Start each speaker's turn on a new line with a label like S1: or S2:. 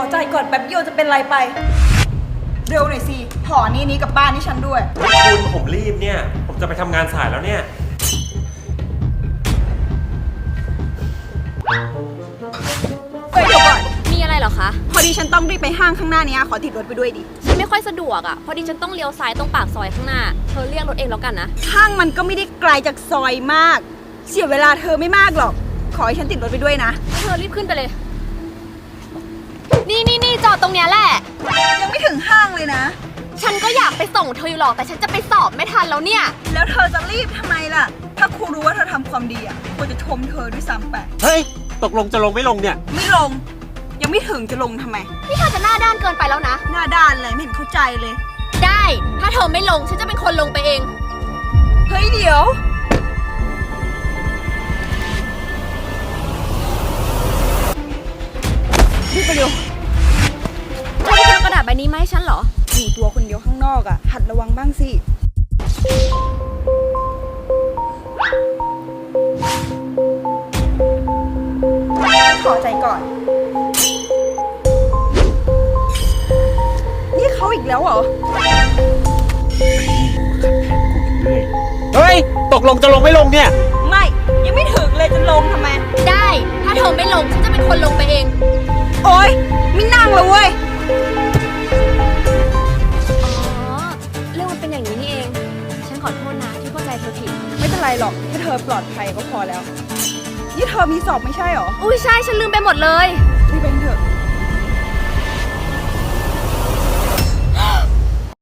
S1: ใจก่อนแป๊บเดียวจะเป็นไรไป เร็วหน่อยสิห่อนี้กับบ้านที่ฉันด้วย
S2: คุณผมรีบเนี่ย ผมจะไปทำงานสายแล้วเนี่ย
S1: เดี๋ยวก่อน
S3: มีอะไรเหรอคะ
S1: พอดีฉันต้องรีบไปห้างข้างหน้านี้ขอติดรถไปด้วยดิ
S3: ฉันไม่ค่อยสะดวกอ่ะ พอดีฉันต้องเลี้ยวซ้ายตรงปากซอยข้างหน้า เธอเรียกรถเองแล้วกันนะ
S1: ห้างมันก็ไม่ได้ไกลจากซอยมาก เสียเวลาเธอไม่มากหรอก ขอให้ฉันติดรถไปด้วยนะ
S3: เธอรีบขึ้นไปเลย นี่จอดตรงเนี้ยแหละ
S1: ยังไม่ถึงห้างเลยนะ
S3: ฉันก็อยากไปส่งเธออยู่หรอก แต่ฉันจะไปสอบไม่ทันแล้วเนี่ย
S1: แล้วเธอจะรีบทำไมล่ะ ถ้าครูรู้ว่าเธอทำความดีควรจะชมเธอด้วยซ้ำไป
S2: เฮ้ย ตกลงจะลงไม่ลงเนี่ย
S1: ไม่ลง ยังไม่ถึงจะลงทำไม
S3: นี่เธอจะหน้าด้านเกินไปแล้วนะ
S1: หน้าด้านเลยไม่เห็นเข้าใจเลย
S3: ได้ ถ้าเธอไม่ลง ฉันจะเป็นคนลงไปเอง
S1: เฮ้ยเดี๋ยวรีบไปเร็ว
S3: เธอจะเอากระดาษใบนี้มาให้ฉันเหรอ
S1: อยู่ตัวคนเดียวข้างนอกหัดระวังบ้างสิขอใจก่อน นี่เขาอีกแล้วเหรอ
S2: เฮ้ย ตกลงจะลงไม่ลงเนี่ย
S1: ไม่ ยังไม่ถึงเลยจะลงทำไม
S3: ได้ ถ้าเธอไม่ลง ฉันจะเป็นคนลงไปเอง
S1: โอ๊ยไม่นั่งเลยเว้ย
S3: อ๋อ เรื่องมันเป็นอย่างนี้นี่เอง ฉันขอโทษนะที่เข้าใจเธอผิด
S1: ไม่เป็นไรหรอกแค่เธอปลอดภัยก็พอแล้ว นี่เธอมีสอบไม่ใช่หรอ
S3: อุ้ยใช่ ฉันลืมไปหมดเลย
S1: รีบไปเถอะ